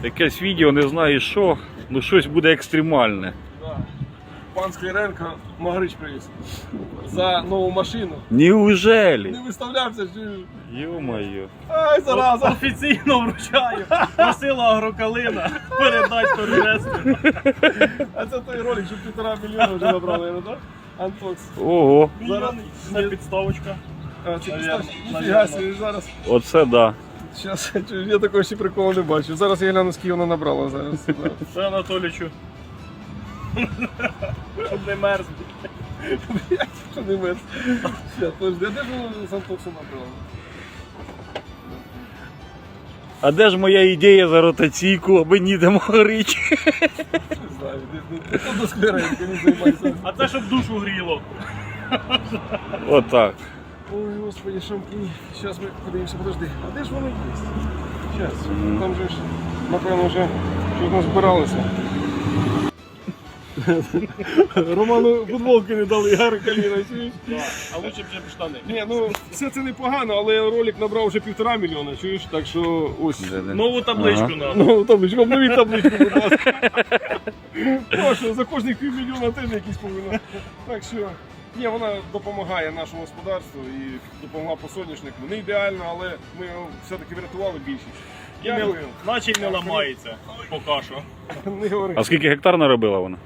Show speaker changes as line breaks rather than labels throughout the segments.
Якесь відео, не знаю що, ну щось буде екстремальне.
Да. Пан Скляренко Магрич привіз за нову машину.
Неужели?
Не виставлявся, чи...
Ё-моё.
Ай, зараза!
Офіційно вручаю. Просила Агрокалина передати торгресу.
А це той ролик, що 1,5 мільйона вже набрали, так? Антокс.
Ого,
Зараз...
Це підставочка.
А, це
Навірно,
ніфіга собі, зараз.
оце да.
Щас, я такого ще приколу не бачу. Зараз я гляну, скільки вона набрала зараз.
Це Анатолічу. Щоб не мерз.
Що не мерз. Щас, подожди, а де ж вона з Антоксом набрала?
А де ж моя ідея за ротаційку, аби ніде Магрич?
Не знаю, не до Скляренка не займайся.
А це щоб душу гріло.
Отак.
Ой, господи, шампунь. Сейчас ми подивимося, подожди. А де ж воно є? Сейчас. Там же ж, напевно, вже щось назбиралося. Роману футболки не дали, Агрокалина, чуєш?
А лучше б вже б штани.
Ні, ну все це непогано, але ролик набрав вже 1,5 мільйона, чуєш? Так що ось.
Нову табличку
Ага.
надо.
Ну, табличку, обновіть табличку, будь ласка. Прошу, за кожних півмільйона теж якісь повинна. Так що, ні, вона допомагає нашому господарству і допомогла по соняшнику. Не ідеально, але ми його все-таки врятували більшість.
І не,
Дякую.
наче й не ламається. Поки що.
Не говори.
А скільки гектар наробила вона?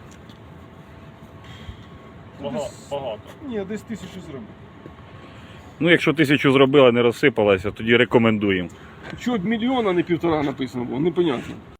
Багато.
Ні, десь 1000 зробив.
Ну, якщо 1000 зробила, не розсипалася, тоді рекомендуємо.
Чого мільйона, а не 1,5 написано було, непонятно.